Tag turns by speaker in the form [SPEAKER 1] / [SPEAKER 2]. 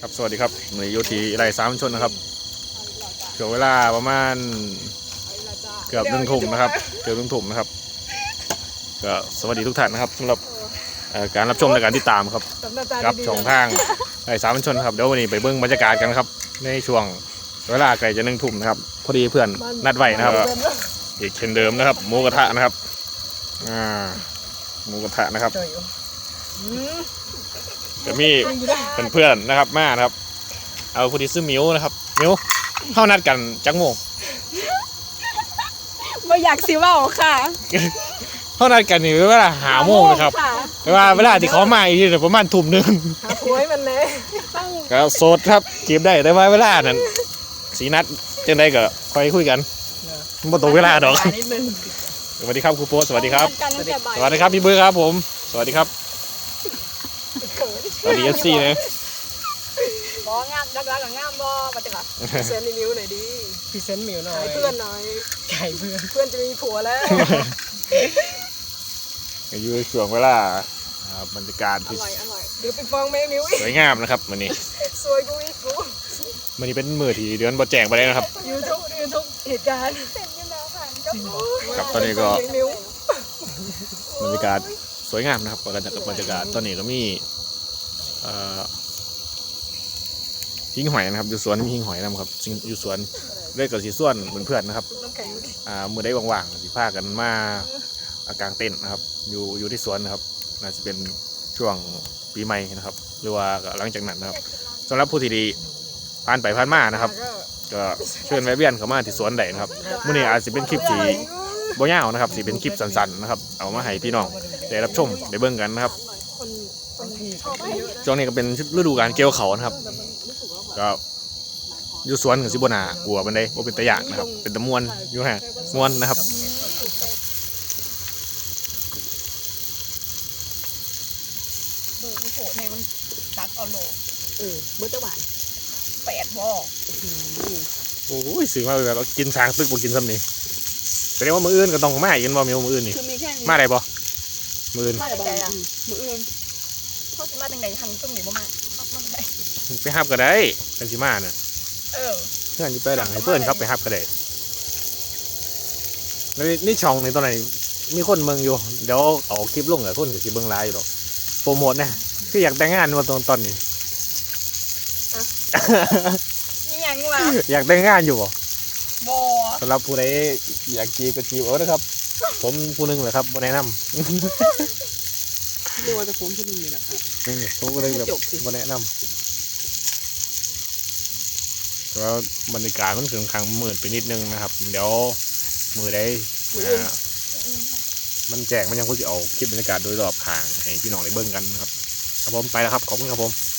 [SPEAKER 1] ครับสวัสดีครับในโยทีไรสามชนนะครับเกือบเวลาประมาณเกือบ1 ทุ่มนะครับเกือบ1 ทุ่มนะครับก็สวัสดีทุกท่านนะครับสำหรับการรับชมและการติดตามครับกับช่องทางไรสามชนครับเดี๋ยววันนี้ไปเบิ้งบรรยากาศกันครับในช่วงเวลาใกล้จะ1 ทุ่มนะครับพอดีเพื่อนนัดไว้นะครับอีกเช่นเดิมนะครับหมูกระทะนะครับหมูกระทะนะครับจะมีเพื่อนๆนะครับมานะครับเอาผู้ที่ซื้อมิวนะครับมิวเข้านัดกันจักโมง
[SPEAKER 2] ไม่อยากซิว่าค่ะ
[SPEAKER 1] เข้านัดกันนี่เวลา5 โมงนะครับแต่ว่าเวลาที่เขามาอีกทีประมาณ 1 ทุ่ม
[SPEAKER 2] หาผัวให้มันเลย
[SPEAKER 1] ก็โสดครับจีบได้แต่ว่าเวลานั้นสีนัดจังได้ก็ค่อยคุยกันบ่ตรงเวลาดอกสวัสดีครับครูโป๊สวัสดีครับสวัสดีครับพี่เบิร์ครับผมสวัสดีครับสวัสดีFCนะ
[SPEAKER 2] บองามรักกับงามบอมาจังหวะพรีเซนต์มิวหน่อยดิ
[SPEAKER 3] พรีเซนต์มิวหน่อย
[SPEAKER 2] ขายเพื่อนหน่อย
[SPEAKER 3] ขายเพื่อน
[SPEAKER 2] จะมีผัวแล้ว
[SPEAKER 1] อยู่ในช่วงเวลาบรรยากาศที่
[SPEAKER 2] อร่อยเดี๋ยวไปฟังแม่มิว
[SPEAKER 1] สวยงามนะครับวันนี้
[SPEAKER 2] สวยกูอีกกู
[SPEAKER 1] วันนี้เป็นมื้อที่เดือนบ่แจ้งไปเลยนะครับ
[SPEAKER 2] ยูทูบเหตุการณ์เสร็จยังแล้วค่ะ
[SPEAKER 1] ครับตอนนี้ก็บรรยากาศสวยงามนะครับบรรยากาศตอนนี้ก็มีหิ้งหอยนะครับอยู่สวนมีหิ้งหอยนะครับอยู่สวนเล่นกับสีส่วนเหมือนเพื่อนนะครับมือได้ว่างๆสีผ้ากันมากางเต็นท์นะครับอยู่ที่สวนนะครับน่าจะเป็นช่วงปีใหม่นะครับหรือว่าหลังจากนั้นนะครับสำหรับผู้ที่ดีผ่านไปผ่านมานะครับก็เชิญแวะเวียนเข้ามาที่สวนได้นะครับมื้อนี้อาจจะเป็นคลิปที่บ่ยาวนะครับสิเป็นคลิปสั้นๆนะครับเอามาให้พี่น้องได้รับชมได้เบิ่งกันนะครับช่วงนี้ก็เป็นฤดูกาลเกี่ยวเขานะครับก็อยู่สวนกับซิโบนากลัวมันได้ว่าเป็นตะหยากนะครับเป็นตะมวนอยู่ฮะมวนนะครับ
[SPEAKER 2] เบิร์ดโผล่ในมันตักเอาโลเบิร์ดจะหวาน8 บ่อ
[SPEAKER 1] โอ้ยสื่อมาแบบกินช้างตึกบ่กินซ้ำนี่แสดงว่ามืออื่นก็ต้องมาอีกกันบ่มีมืออื่นนี่มาได้บ่มืออื่น
[SPEAKER 2] มาได้มืออื่นเขาจะมาจังได๋ทันตึ้งนี่บ่มาได้
[SPEAKER 1] ไปฮับก็ได้กันสิมาน่ะเพื่อนอยู่ไปหลังให้เพื่อนครับไปฮับก็ได้แล้วนี่ช่องในตอนไหนมีคนเมืองอยู่เดี๋ยวเอาคลิปลงกับคนกับคลิปเบื้องไลน์อยู่หรอกโปรโมทนะคืออยากแต่งงานวันตอนนี้
[SPEAKER 2] นี่ยังวะ
[SPEAKER 1] อยากแต่งงานอยู่บ่
[SPEAKER 2] บ่
[SPEAKER 1] สำหรับผู้ใดอยากจีบก็จีบเอานะครับผมผู้นึงเลยครับบ่แนะนำ
[SPEAKER 2] เรียกว่าจะผมผู้นึงนี่แหละครับ
[SPEAKER 1] ผมก็เลยแบบบ่แนะนำแล้วบรรยากาศมันค่อนข้างมืดไปนิดนึงนะครับเดี๋ยวมือได้มันแจกมันยังคงจะเอาคลิปบรรยากาศโดยรอบข้างให้พี่น้องได้เบิ่งกันนะครับครับผมไปแล้วครับขอบคุณครับผม